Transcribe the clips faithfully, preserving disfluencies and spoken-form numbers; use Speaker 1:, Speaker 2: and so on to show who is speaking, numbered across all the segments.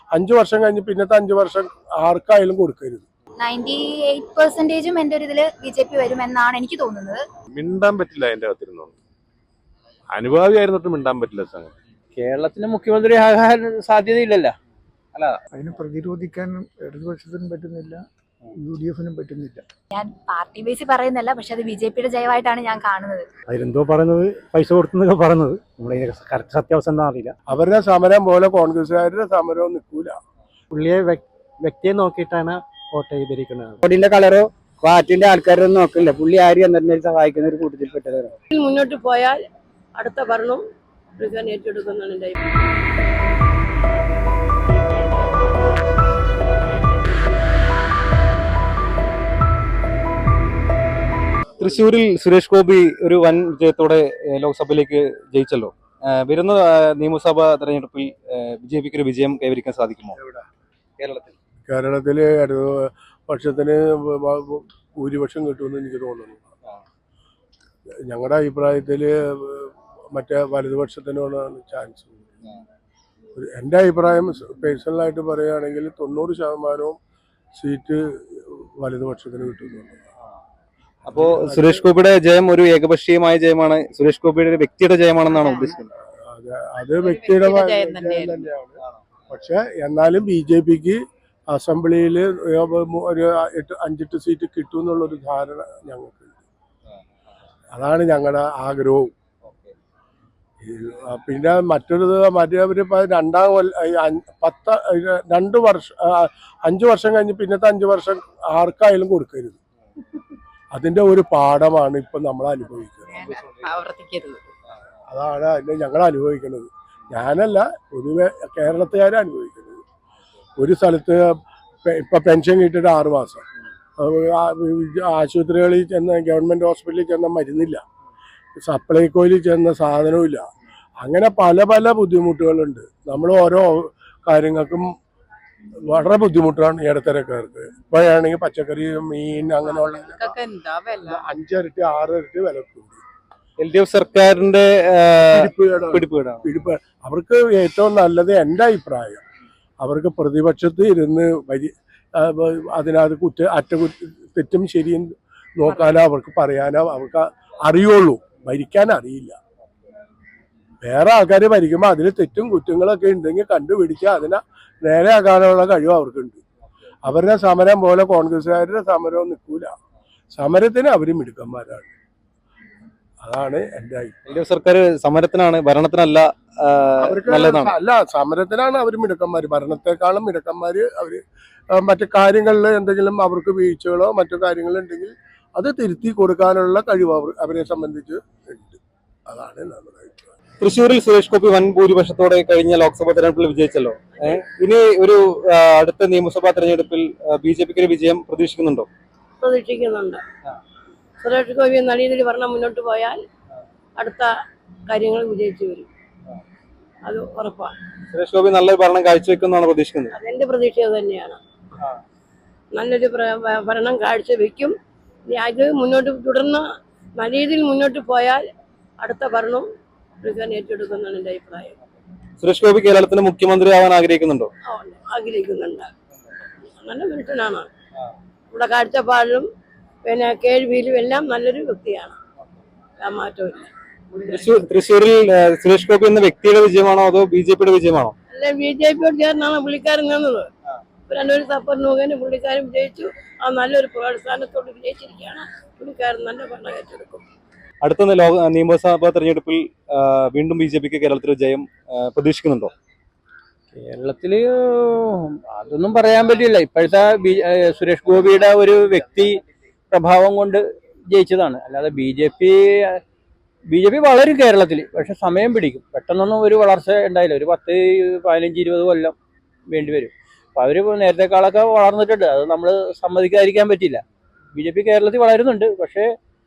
Speaker 1: അഞ്ചു വർഷം കഴിഞ്ഞ് പിന്നത്തെ അഞ്ചു വർഷം ആർക്കായാലും കൊടുക്കരുത്.
Speaker 2: നയൻറ്റി എയ്റ്റ് പെർസെന്റേജും എന്റെ ഒരു ഇതില് ബി ജെ പി വരുമെന്നാണ് എനിക്ക് തോന്നുന്നത്.
Speaker 3: മിണ്ടാൻ പറ്റില്ല, അതിന്റെ അകത്തിരുന്നു അനുഭാവിയായിരുന്നിട്ട് മിണ്ടാൻ പറ്റില്ല. സംഗതി
Speaker 4: കേരളത്തിന് മുഖ്യമന്ത്രി ആകാൻ സാധ്യതയില്ലല്ലോ.
Speaker 5: അല്ല, അതിനെ പ്രതിരോധിക്കാൻ ഇടതുപക്ഷത്തിനും പറ്റുന്നില്ല, യു ഡി എഫിനും പറ്റുന്നില്ല.
Speaker 2: ഞാൻ പാർട്ടി ബേസിൽ പറയുന്നില്ല, പക്ഷെ അത് ബി ജെ പിയുടെ ജയമായിട്ടാണ് ഞാൻ കാണുന്നത്.
Speaker 6: അതിലെന്തോ പറയുന്നത് പൈസ കൊടുത്തെന്നൊക്കെ പറയുന്നത്, നമ്മളെ കറക്റ്റ് സത്യാവസ്ഥ എന്താ അറിയില്ല.
Speaker 1: അവരുടെ സമരം പോലെ കോൺഗ്രസ്സുകാരുടെ സമരവും നിൽക്കൂല.
Speaker 6: പുള്ളിയെ വ്യക്തിയെ നോക്കിയിട്ടാണ് വോട്ട് ചെയ്തിരിക്കുന്നത്.
Speaker 4: റോഡിന്റെ കളറോ പാർട്ടിന്റെ ആൾക്കാരൊന്നും നോക്കില്ല. പുള്ളി ആര് എന്നിട്ട് സഹായിക്കുന്ന ഒരു കൂട്ടത്തിൽപ്പെട്ടതാണ്.
Speaker 7: മുന്നോട്ട് പോയാൽ അടുത്ത ഭരണം ഏറ്റെടുക്കുന്നതാണ് എൻ്റെ അഭിപ്രായം.
Speaker 8: തൃശ്ശൂരിൽ സുരേഷ് ഗോപി ഒരു വൻ വിജയത്തോടെ ലോക്സഭയിലേക്ക് ജയിച്ചല്ലോ. വരുന്ന നിയമസഭാ തെരഞ്ഞെടുപ്പിൽ ബി ജെ പിക്ക് ഒരു വിജയം കൈവരിക്കാൻ സാധിക്കുമോ? കേരളത്തിൽ
Speaker 1: കേരളത്തില് പക്ഷത്തിന് ഭൂരിപക്ഷം കിട്ടുമെന്ന് എനിക്ക് തോന്നുന്നു. ഞങ്ങളുടെ അഭിപ്രായത്തില് മറ്റേ വലതുപക്ഷത്തിനോടാണ് ചാൻസ്. എൻ്റെ അഭിപ്രായം പേഴ്സണലായിട്ട് പറയുകയാണെങ്കിൽ തൊണ്ണൂറ് ശതമാനവും സീറ്റ് വലതുപക്ഷത്തിന് കിട്ടുന്നുണ്ട്.
Speaker 8: അപ്പോ സുരേഷ് ഗോപിയുടെ ജയം ഒരു ഏകപക്ഷീയമായ ജയമാണ്, സുരേഷ് ഗോപിയുടെ ഒരു വ്യക്തിയുടെ ജയമാണെന്നാണ് ഉദ്ദേശിക്കുന്നത്.
Speaker 1: അത് അത് വ്യക്തിയുടെ ജയം തന്നെയാണ്. പക്ഷെ എന്നാലും ബി ജെ പിക്ക് അസംബ്ലിയിൽ ഒരു എട്ട് അഞ്ചെട്ട് സീറ്റ് കിട്ടും എന്നുള്ളൊരു ധാരണ ഞങ്ങൾക്കുണ്ട്. അതാണ് ഞങ്ങളുടെ ആഗ്രഹവും. പിന്നെ മറ്റൊരു മറ്റേ രണ്ടാം കൊല്ലം പത്ത് രണ്ട് വർഷം അഞ്ചു വർഷം കഴിഞ്ഞ് പിന്നത്തെ അഞ്ചു വർഷം ആർക്കായാലും കൊടുക്കരുത്. അതിന്റെ ഒരു പാഠമാണ് ഇപ്പൊ നമ്മൾ അനുഭവിക്കുന്നത്. അതാണ് അതിനെ ഞങ്ങൾ അനുഭവിക്കുന്നത്. ഞാനല്ല, പൊതുവെ കേരളത്തുകാരെ അനുഭവിക്കുന്നത്. ഒരു സ്ഥലത്ത് ഇപ്പൊ പെൻഷൻ കിട്ടിയിട്ട് ആറു മാസം ആശുപത്രികളിൽ ചെന്ന, ഗവൺമെന്റ് ഹോസ്പിറ്റലിൽ ചെന്ന മരുന്നില്ല, സപ്ലൈകോയിൽ ചെന്ന സാധനവുമില്ല. അങ്ങനെ പല പല ബുദ്ധിമുട്ടുകളുണ്ട്. നമ്മൾ ഓരോ കാര്യങ്ങൾക്കും വളരെ ബുദ്ധിമുട്ടാണ് ഇടത്തരക്കാർക്ക്. ഇപ്പോഴാണെങ്കിൽ പച്ചക്കറി, മീൻ അങ്ങനെയുള്ള അഞ്ചിരട്ടി ആറിരട്ടി വില കൂടി.
Speaker 8: എൽ ഡി എഫ് സർക്കാരിന്റെ
Speaker 1: പിടിപ്പ് അവർക്ക് ഏറ്റവും നല്ലത്, എൻ്റെ അഭിപ്രായം, അവർക്ക് പ്രതിപക്ഷത്ത് ഇരുന്ന് വരി അതിനകത്ത് കുറ്റ അറ്റ തെറ്റും ശരിയും നോക്കാനോ അവർക്ക് പറയാനോ അവർക്ക് അറിയുള്ളൂ. ഭരിക്കാൻ അറിയില്ല. വേറെ ആൾക്കാർ ഭരിക്കുമ്പോൾ അതിൽ തെറ്റും കുറ്റങ്ങളൊക്കെ ഉണ്ടെങ്കിൽ കണ്ടുപിടിച്ച് അതിനെ നേരെയാക്കാനുള്ള കഴിവ് അവർക്കുണ്ട്. അവരുടെ സമരം പോലെ കോൺഗ്രസ്സുകാരുടെ സമരവും നിൽക്കൂല. സമരത്തിന് അവർ മിടുക്കന്മാരാണ്. അതാണ് എൻ്റെ
Speaker 8: അഭിപ്രായം. സർക്കാർ സമരത്തിനാണ്, ഭരണത്തിനല്ല.
Speaker 1: അവർക്ക് അല്ല, സമരത്തിനാണ് അവർ മിടുക്കന്മാർ. ഭരണത്തെക്കാളും മിടുക്കന്മാര് അവര് മറ്റു കാര്യങ്ങളിൽ എന്തെങ്കിലും അവർക്ക് വീഴ്ചകളോ മറ്റു കാര്യങ്ങളുണ്ടെങ്കിൽ അത് തിരുത്തി കൊടുക്കാനുള്ള കഴിവ് അവർ അവരെ സംബന്ധിച്ച് ഉണ്ട്. അതാണ് നമ്മുടെ അഭിപ്രായം.
Speaker 8: തൃശ്ശൂരിൽ സുരേഷ് ഗോപി വൻ ഭൂരിപക്ഷത്തോടെ കഴിഞ്ഞ ലോക്സഭാ തെരഞ്ഞെടുപ്പിൽ വിജയിച്ചല്ലോ. ഇനി ഒരു അടുത്ത നിയമസഭാ തെരഞ്ഞെടുപ്പിൽ ബി ജെ പിക്ക് ഒരു വിജയം പ്രതീക്ഷിക്കുന്നുണ്ടോ?
Speaker 7: പ്രതീക്ഷിക്കുന്നുണ്ട്. സുരേഷ് ഗോപി നല്ല രീതിയിൽ ഭരണം മുന്നോട്ട് പോയാൽ അടുത്ത കാര്യങ്ങൾ വിജയിച്ചു വരും. അത് ഉറപ്പാണ്.
Speaker 8: സുരേഷ് ഗോപി നല്ലൊരു ഭരണം കാഴ്ചവെക്കുമെന്നാണ് പ്രതീക്ഷിക്കുന്നത്.
Speaker 7: അതെന്റെ പ്രതീക്ഷ തന്നെയാണ്. നല്ലൊരു ഭരണം കാഴ്ചവെക്കും. അത് മുന്നോട്ട് തുടർന്ന് നല്ല രീതിയിൽ മുന്നോട്ട് പോയാൽ അടുത്ത ഭരണം ഏറ്റെടുക്കുന്നതാണ് എൻ്റെ അഭിപ്രായം.
Speaker 8: സുരേഷ് ഗോപി കേരളത്തിന് മുഖ്യമന്ത്രി ആവാൻ ആഗ്രഹിക്കുന്നുണ്ടോ?
Speaker 7: ആഗ്രഹിക്കുന്നുണ്ട്. നല്ല മനുഷ്യനാണ്. ഇവിടെ കാഴ്ചപ്പാടിലും പിന്നെ കേൾവിയിലും എല്ലാം നല്ലൊരു വ്യക്തിയാണ്. മാറ്റമില്ല.
Speaker 8: തൃശ്ശൂരിൽ സുരേഷ് ഗോപി എന്ന വ്യക്തിയുടെ വിജയമാണോ അതോ ബി ജെ പിയുടെ വിജയമാണോ?
Speaker 7: അല്ല, ബി ജെ പിയോട് ചേർന്നാണ് പുള്ളിക്കാരൻ നിന്നത്. രണ്ടൊരു സപ്പർ മുഖേന പുള്ളിക്കാരൻ വിജയിച്ചു. ആ നല്ലൊരു പ്രോത്സാഹനത്തോട് വിജയിച്ചിരിക്കുകയാണ്. പുള്ളിക്കാരൻ നല്ല ഭരണം ഏറ്റെടുക്കും.
Speaker 8: അടുത്ത നിയമസഭാ തെരഞ്ഞെടുപ്പിൽ വീണ്ടും ബി ജെ പിക്ക് കേരളത്തിൽ ജയം പ്രതീക്ഷിക്കുന്നുണ്ടോ?
Speaker 4: കേരളത്തില് അതൊന്നും പറയാൻ പറ്റില്ല. ഇപ്പോഴത്തെ സുരേഷ് ഗോപിയുടെ ഒരു വ്യക്തി പ്രഭാവം കൊണ്ട് ജയിച്ചതാണ്. അല്ലാതെ B J P B J P വളരും കേരളത്തിൽ, പക്ഷെ സമയം പിടിക്കും. പെട്ടെന്നൊന്നും ഒരു വളർച്ച ഉണ്ടായില്ല. ഒരു പത്ത് പതിനഞ്ച് ഇരുപത് കൊല്ലം വേണ്ടി വരും. അപ്പോൾ അവർ നേരത്തെക്കാളൊക്കെ വളർന്നിട്ടുണ്ട്. അത് നമ്മൾ സമ്മതിക്കാതിരിക്കാൻ പറ്റില്ല. ബി ജെ പി കേരളത്തിൽ വളരുന്നുണ്ട്, പക്ഷേ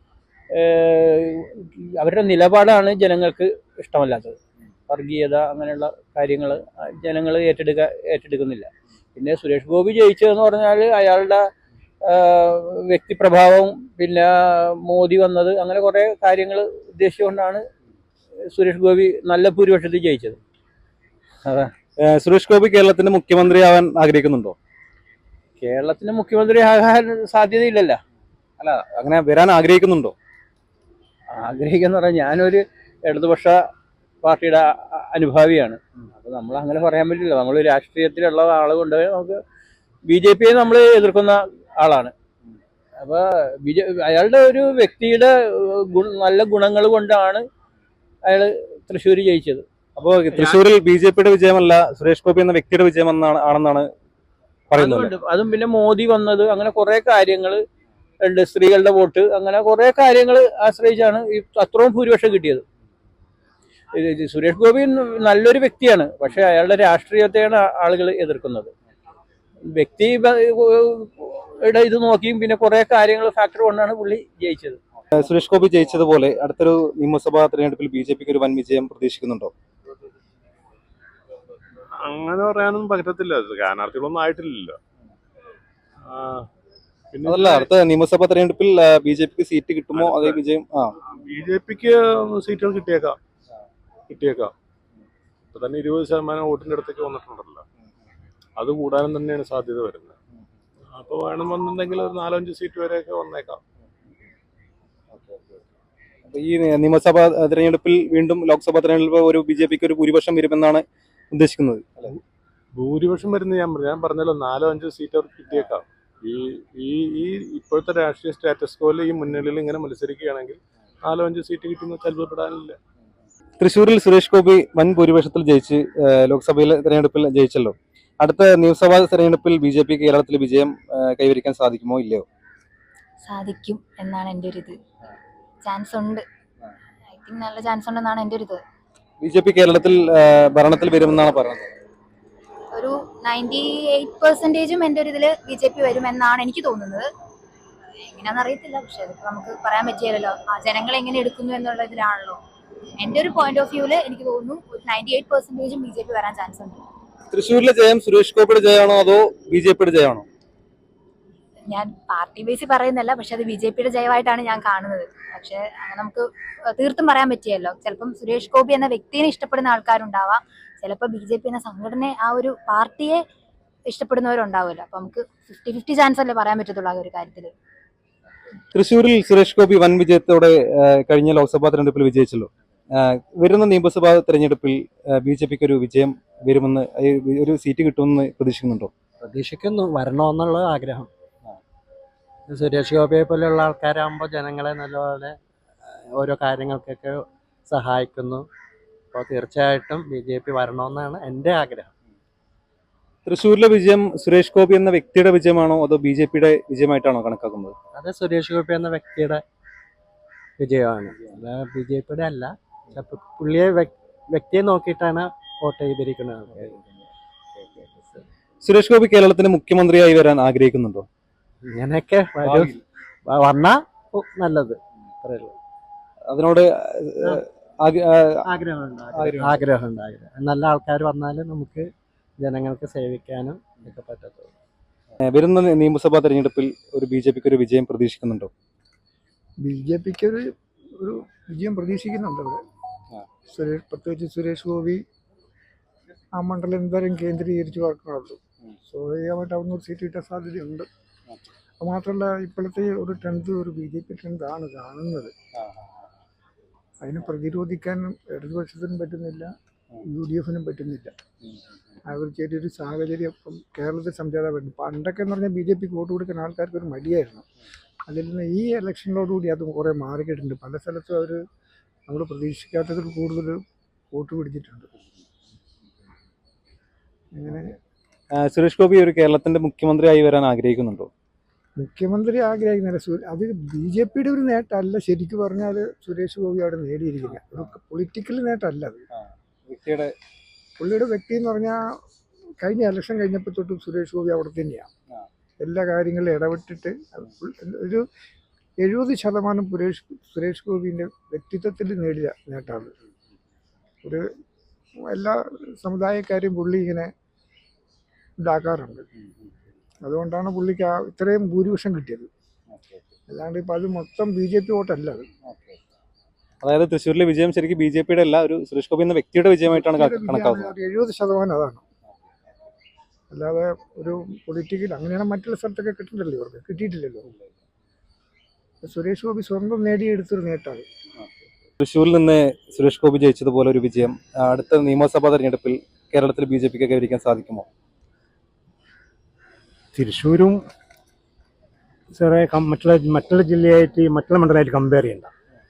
Speaker 4: അവരുടെ നിലപാടാണ് ജനങ്ങൾക്ക് ഇഷ്ടമല്ലാത്തത്. വർഗീയത അങ്ങനെയുള്ള കാര്യങ്ങൾ ജനങ്ങൾ ഏറ്റെടുക്ക ഏറ്റെടുക്കുന്നില്ല. പിന്നെ സുരേഷ് ഗോപി ജയിച്ചതെന്ന് പറഞ്ഞാൽ അയാളുടെ വ്യക്തിപ്രഭാവം, പിന്നെ മോദി വന്നത്, അങ്ങനെ കുറേ കാര്യങ്ങൾ ഉദ്ദേശിച്ചുകൊണ്ടാണ് സുരേഷ് ഗോപി നല്ല ഭൂരിപക്ഷത്തിൽ ജയിച്ചത്. അതാ
Speaker 8: ഏഹ് സുരേഷ് ഗോപി കേരളത്തിന്റെ മുഖ്യമന്ത്രിയാവാൻ ആഗ്രഹിക്കുന്നുണ്ടോ?
Speaker 4: കേരളത്തിന്റെ മുഖ്യമന്ത്രി ആകാൻ സാധ്യതയില്ലല്ലോ.
Speaker 8: അല്ല, അങ്ങനെ വരാൻ ആഗ്രഹിക്കുന്നുണ്ടോ?
Speaker 4: ആഗ്രഹിക്കുന്ന പറഞ്ഞാൽ ഞാനൊരു ഇടതുപക്ഷ പാർട്ടിയുടെ അ- അനുഭാവിയാണ്. അപ്പൊ നമ്മൾ അങ്ങനെ പറയാൻ പറ്റില്ല. നമ്മൾ രാഷ്ട്രീയത്തിലുള്ള ആള് കൊണ്ട് നമുക്ക് ബി ജെ പിയെ നമ്മൾ എതിർക്കുന്ന ആളാണ്. അപ്പൊ ബി ജെ അയാളുടെ ഒരു വ്യക്തിയുടെ ഏഹ്, ഗുണ- നല്ല ഗുണങ്ങൾ കൊണ്ടാണ് അയാൾ തൃശ്ശൂർ ജയിച്ചത്.
Speaker 8: അപ്പോൾ തൃശ്ശൂരിൽ ബി ജെ പിയുടെ വിജയമല്ല, സുരേഷ് ഗോപി എന്ന വ്യക്തിയുടെ വിജയം എന്നാണ് ആണെന്നാണ് പറയുന്നത്.
Speaker 4: അതുകൊണ്ട് അതും പിന്നെ മോദി വന്നത്, അങ്ങനെ കുറെ കാര്യങ്ങൾ ഉണ്ട്. സ്ത്രീകളുടെ വോട്ട്, അങ്ങനെ കുറെ കാര്യങ്ങൾ ആശ്രയിച്ചാണ് ഈ അത്രയും ഭൂരിപക്ഷം കിട്ടിയത്. ഇത് ഇത് സുരേഷ് ഗോപി നല്ലൊരു വ്യക്തിയാണ്, പക്ഷെ അയാളുടെ രാഷ്ട്രീയത്തെയാണ് ആളുകൾ എതിർക്കുന്നത്. വ്യക്തി ബ- യുടെ ഇത് നോക്കിയും പിന്നെ കുറെ കാര്യങ്ങൾ ഫാക്ടർ കൊണ്ടാണ് പുള്ളി ജയിച്ചത്.
Speaker 8: ഏഹ് സുരേഷ് ഗോപി ജയിച്ചതുപോലെ അടുത്തൊരു നിയമസഭാ തെരഞ്ഞെടുപ്പിൽ ബി ജെ പിക്ക് ഒരു വൻ വിജയം പ്രതീക്ഷിക്കുന്നുണ്ടോ?
Speaker 3: അങ്ങനെ പറയാനൊന്നും പറ്റത്തില്ല. സ്ഥാനാർത്ഥികളൊന്നും ആയിട്ടില്ലല്ലോ. ആ, പിന്നെ
Speaker 8: അതല്ല, അടുത്ത നിയമസഭാ തെരഞ്ഞെടുപ്പിൽ ബി ജെ പിക്ക് സീറ്റ് കിട്ടുമോ അതേ വിജയം? ആ
Speaker 3: ബി ജെ പിക്ക് സീറ്റുകൾ കിട്ടിയേക്കാം കിട്ടിയേക്കാം ഇപ്പൊ തന്നെ ഇരുപത് ശതമാനം വോട്ടിന്റെ അടുത്തേക്ക് വന്നിട്ടുണ്ടല്ലോ. അത് കൂടാനും തന്നെയാണ് സാധ്യത വരുന്നത്. അപ്പൊ വേണമെന്നുണ്ടെങ്കിൽ ഒരു നാലഞ്ച് സീറ്റ് വരെയൊക്കെ വന്നേക്കാം.
Speaker 8: അപ്പൊ ഈ നിയമസഭാ തെരഞ്ഞെടുപ്പിൽ വീണ്ടും ലോക്സഭാ തെരഞ്ഞെടുപ്പ് ഒരു ബി ജെ പിക്ക് ഒരു ഭൂരിപക്ഷം വരുമെന്നാണ് ഉദ്ദേശിക്കുന്നത്.
Speaker 3: ഭൂരിപക്ഷം വരുന്നത് ഞാൻ പറഞ്ഞു ഞാൻ പറഞ്ഞല്ലോ, നാലോ അഞ്ചോ സീറ്റ് അവർക്ക് കിട്ടിയേക്കാം. ഈ ഈ ഈ ഇപ്പോഴത്തെ രാഷ്ട്രീയ സ്റ്റാറ്റസ് പോലെ ഈ മുന്നണിയിൽ ഇങ്ങനെ മത്സരിക്കുകയാണെങ്കിൽ നാലോ അഞ്ചോ സീറ്റ് കിട്ടുന്ന അത്ഭുതപ്പെടാനില്ല.
Speaker 8: തൃശ്ശൂരിൽ സുരേഷ് ഗോപി വൻ ഭൂരിപക്ഷത്തിൽ ജയിച്ച് ഏഹ് ലോക്സഭയിലെ തെരഞ്ഞെടുപ്പിൽ ജയിച്ചല്ലോ. അടുത്ത നിയമസഭാ തെരഞ്ഞെടുപ്പിൽ ബി ജെ പി കേരളത്തിൽ വിജയം ഏഹ് കൈവരിക്കാൻ സാധിക്കുമോ ഇല്ലയോ?
Speaker 2: സാധിക്കും എന്നാണ് എൻ്റെ ഒരു ഇത്. ചാൻസ് ഉണ്ട്, ഐ തിങ്ക് നല്ല ചാൻസ് ഉണ്ടെന്നാണ് എൻ്റെ ഒരു ഇത്.
Speaker 8: ബി ജെ പി കേരളത്തിൽ ഏഹ് ഭരണത്തിൽ വരുമെന്നാണ് പറയുന്നത്.
Speaker 2: ഒരു നയൻറ്റി എയ്റ്റ് പെർസെൻറ്റേജും എൻ്റെ ഒരു ഇതിൽ ബി ജെ പി വരുമെന്നാണ് എനിക്ക് തോന്നുന്നത്. എങ്ങനെയാണെന്ന് അറിയത്തില്ല, പക്ഷെ അതിപ്പോൾ നമുക്ക് പറയാൻ പറ്റിയല്ലോ. ആ ജനങ്ങൾ എങ്ങനെ എടുക്കുന്നു എന്നുള്ള ഇതിലാണല്ലോ. എൻ്റെ ഒരു പോയിന്റ് ഓഫ് വ്യൂവിൽ എനിക്ക് തോന്നുന്നു ഒരു നയൻറ്റി എയ്റ്റ് പെർസെൻറ്റേജും ബി ജെ പി വരാൻ ചാൻസ് ഉണ്ട്.
Speaker 8: തൃശ്ശൂരിലെ ജയം സുരേഷ് ഗോപിയുടെ ജയമാണോ അതോ ബി ജെ പിയുടെ ജയമാണോ?
Speaker 2: ഞാൻ പാർട്ടി ബേസിൽ പറയുന്നില്ല, പക്ഷെ അത് ബി ജെ പിയുടെ ജയമായിട്ടാണ് ഞാൻ കാണുന്നത്. പക്ഷെ അങ്ങനെ നമുക്ക് തീർത്തും പറയാൻ പറ്റിയല്ലോ. ചിലപ്പം സുരേഷ് ഗോപി എന്ന വ്യക്തിയെ ഇഷ്ടപ്പെടുന്ന ആൾക്കാരുണ്ടാവാം, ചിലപ്പോൾ ബി ജെ പി എന്ന സംഘടനയെ, ആ ഒരു പാർട്ടിയെ ഇഷ്ടപ്പെടുന്നവരുണ്ടാവുമല്ലോ. അപ്പൊ നമുക്ക് ഫിഫ്റ്റി ഫിഫ്റ്റി ചാൻസ് അല്ലേ പറയാൻ പറ്റത്തുള്ളൂ ആ ഒരു കാര്യത്തിൽ.
Speaker 8: തൃശ്ശൂരിൽ സുരേഷ് ഗോപി വൻ വിജയത്തോടെ ഏഹ് കഴിഞ്ഞ ലോക്സഭാ തെരഞ്ഞെടുപ്പിൽ വിജയിച്ചല്ലോ. ഏഹ് വരുന്ന നിയമസഭാ തെരഞ്ഞെടുപ്പിൽ ബി ജെ പിക്ക് ഒരു വിജയം വരുമെന്ന്, ഏഹ് ഒരു സീറ്റ് കിട്ടുമെന്ന് പ്രതീക്ഷിക്കുന്നുണ്ടോ?
Speaker 6: പ്രതീക്ഷിക്കുന്നു, വരണമെന്നുള്ള ആഗ്രഹം. സുരേഷ് ഗോപിയെ പോലെയുള്ള ആൾക്കാരാകുമ്പോൾ ജനങ്ങളെ നല്ലപോലെ ഓരോ കാര്യങ്ങൾക്കൊക്കെ സഹായിക്കുന്നു. അപ്പോൾ തീർച്ചയായിട്ടും ബി ജെ പി വരണമെന്നാണ് എൻ്റെ ആഗ്രഹം.
Speaker 8: തൃശ്ശൂരിലെ വിജയം സുരേഷ് ഗോപി എന്ന വ്യക്തിയുടെ വിജയമാണോ അതോ ബി ജെ പിയുടെ വിജയമായിട്ടാണോ കണക്കാക്കുന്നത്?
Speaker 6: അത് സുരേഷ് ഗോപി എന്ന വ്യക്തിയുടെ വിജയമാണ്, അല്ല ബി ജെ പിയുടെ അല്ല. പക്ഷെ പുള്ളിയെ വ്യക്- വ്യക്തിയെ നോക്കിയിട്ടാണ് വോട്ട് ചെയ്തിരിക്കുന്നത്.
Speaker 8: സുരേഷ് ഗോപി കേരളത്തിന്റെ മുഖ്യമന്ത്രിയായി വരാൻ ആഗ്രഹിക്കുന്നുണ്ടോ?
Speaker 6: ഇങ്ങനെയൊക്കെ വരും, വന്നാൽ നല്ലത്, അത്രേ ഉള്ളൂ.
Speaker 8: അതിനോട് ഏഹ് ആഗ്ര- ഏഹ്
Speaker 6: ആഗ്രഹമുണ്ട്
Speaker 8: ആഗ്രഹം.
Speaker 6: ആഗ്രഹമുണ്ട് ആഗ്രഹം നല്ല ആൾക്കാർ വന്നാലും നമുക്ക് ജനങ്ങൾക്ക് സേവിക്കാനും ഒക്കെ പറ്റത്തുള്ളൂ.
Speaker 8: ഏഹ് വരുന്ന നിയമസഭാ തെരഞ്ഞെടുപ്പിൽ ഒരു ബി ജെ പിക്ക് ഒരു വിജയം പ്രതീക്ഷിക്കുന്നുണ്ടോ?
Speaker 5: ബി ജെ പിക്ക് ഒരു ഒരു വിജയം പ്രതീക്ഷിക്കുന്നുണ്ട് ഇവിടെ. സുരേഷ് പ്രത്യേകിച്ച് സുരേഷ് ഗോപി ആ മണ്ഡലം എന്തായാലും കേന്ദ്രീകരിച്ച് വർക്കുള്ളത്. സ്വാഭാവികമായിട്ട് അവിടുന്ന് ഒരു സീറ്റ് കിട്ടാൻ സാധ്യതയുണ്ട്. അത് മാത്രമല്ല, ഇപ്പോഴത്തെ ഒരു ട്രെൻഡ് ഒരു ബി ജെ പി ട്രെൻഡാണ് കാണുന്നത്. അതിനെ പ്രതിരോധിക്കാൻ ഇടതുപക്ഷത്തിനും പറ്റുന്നില്ല, യു ഡി എഫിനും പറ്റുന്നില്ല. ആ ഒരു ചെറിയൊരു സാഹചര്യം ഇപ്പം കേരളത്തിൽ സംജാതം വരുന്നു. പണ്ടൊക്കെ എന്ന് പറഞ്ഞാൽ ബി ജെ പിക്ക് വോട്ട് കൊടുക്കുന്ന ആൾക്കാർക്ക് ഒരു മടിയായിരുന്നു. അതിൽ നിന്ന് ഈ ഇലക്ഷനിലോടുകൂടി അത് കുറേ മാറിക്കിട്ടുണ്ട്. പല സ്ഥലത്തും അവർ നമ്മൾ പ്രതീക്ഷിക്കാത്തതിൽ കൂടുതൽ വോട്ട് പിടിച്ചിട്ടുണ്ട്. അങ്ങനെ
Speaker 8: ഏഹ് സുരേഷ് ഗോപി ഒരു കേരളത്തിന്റെ മുഖ്യമന്ത്രിയായി വരാൻ ആഗ്രഹിക്കുന്നുണ്ടോ?
Speaker 5: മുഖ്യമന്ത്രി ആഗ്രഹിക്കുന്നില്ല. സു- അത് ബി ജെ പിയുടെ ഒരു നേട്ടമല്ല. ശരിക്കും പറഞ്ഞാൽ സുരേഷ് ഗോപി അവിടെ നേടിയിരിക്കുന്നത് ഒരു പൊളിറ്റിക്കൽ നേട്ടമല്ല അത്.
Speaker 8: വ്യക്തിയുടെ
Speaker 5: പുള്ളിയുടെ വ്യക്തി എന്ന് പറഞ്ഞാൽ കഴിഞ്ഞ ഇലക്ഷൻ കഴിഞ്ഞപ്പോൾ തൊട്ട് സുരേഷ് ഗോപി അവിടെ തന്നെയാണ്. എല്ലാ കാര്യങ്ങളിലും ഇടപെട്ടിട്ട് ഒരു എഴുപത് ശതമാനം സുരേഷ് സുരേഷ് ഗോപിൻ്റെ വ്യക്തിത്വത്തിൽ നേടിയ നേട്ടമാണ്. ഒരു എല്ലാ സമുദായക്കാരെയും പുള്ളി ഇങ്ങനെ ഇതാക്കാറുണ്ട്. അതുകൊണ്ടാണ് പുള്ളിക്ക് ആ ഇത്രയും ഭൂരിപക്ഷം കിട്ടിയത്. അല്ലാണ്ട് ഇപ്പം അത് മൊത്തം ബി ജെ പി വോട്ടല്ല അത്.
Speaker 8: അതായത് തൃശ്ശൂരിലെ വിജയം ശരിക്കും ബി ജെ പിയുടെ അല്ല, ഒരു സുരേഷ് ഗോപി എന്ന വ്യക്തിയുടെ വിജയമായിട്ടാണ് കണ- കണക്കാക്കുന്നത്.
Speaker 5: ഒരു എഴുപത് ശതമാനം അതാണ്. അല്ലാതെ ഒരു പൊളിറ്റിക്കൽ അങ്ങനെയാണ് മറ്റുള്ള സ്ഥലത്തൊക്കെ കിട്ടുന്നില്ലല്ലോ, ഇവർക്ക് കിട്ടിയിട്ടില്ലല്ലോ. സുരേഷ് ഗോപി സ്വന്തം നേടിയെടുത്തൊരു നേട്ടമാണ്.
Speaker 8: തൃശ്ശൂരിൽ നിന്ന് സുരേഷ് ഗോപി ജയിച്ചതുപോലെ ഒരു വിജയം ആ, അടുത്ത നിയമസഭാ തെരഞ്ഞെടുപ്പിൽ കേരളത്തിൽ ബി ജെ പിക്ക് കൈവരിക്കാൻ സാധിക്കുമോ?
Speaker 9: തൃശ്ശൂരും സാറേ മറ്റുള്ള മറ്റുള്ള ജില്ലയായിട്ട് മറ്റുള്ള മണ്ഡലമായിട്ട് കമ്പയർ ചെയ്യണ്ട.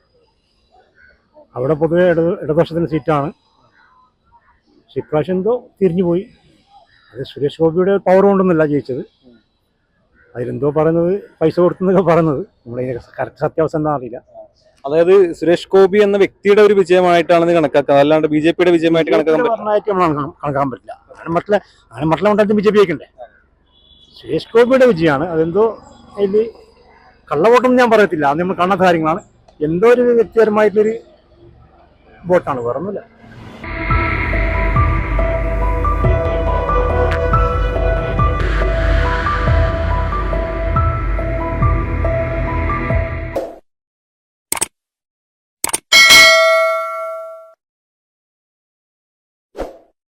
Speaker 9: അവിടെ പൊതുവെ ഇട ഇടതുപക്ഷത്തിൻ്റെ സീറ്റാണ്. പക്ഷെ ഇപ്രാവശ്യം എന്തോ തിരിഞ്ഞു പോയി. അത് സുരേഷ് ഗോപിയുടെ പവർ കൊണ്ടൊന്നുമല്ല ജയിച്ചത്. അതിലെന്തോ പറയുന്നത് പൈസ കൊടുത്തെന്നൊക്കെ പറയുന്നത്, നമ്മളതിനെ കറക്റ്റ് സത്യാവസ്ഥ എന്താ അറിയില്ല.
Speaker 8: അതായത് സുരേഷ് ഗോപി എന്ന വ്യക്തിയുടെ ഒരു വിജയമായിട്ടാണ് ഇത് കണക്കാക്കുന്നത്, അല്ലാണ്ട് ബി ജെ പിയുടെ വിജയമായിട്ട് കണക്കാക്കാൻ പറ്റില്ല.
Speaker 9: പറഞ്ഞായിട്ട് നമ്മൾ കണക്കാൻ പറ്റില്ല. അങ്ങനെ മറ്റുള്ള അങ്ങനെ മറ്റുള്ള മണ്ഡലത്തിൽ ബി ജെ പി ജയിക്കണ്ടേ. സുരേഷ് ഗോപിയുടെ വിജയമാണ്. അതെന്തോ അതിൽ കള്ളവോട്ടൊന്നും ഞാൻ പറയത്തില്ല, അത് നമ്മൾ കാണാത്ത കാര്യങ്ങളാണ്. എന്തോ ഒരു വ്യക്തിപരമായിട്ടുള്ളൊരു വോട്ടാണ്, വേറൊന്നുമില്ല.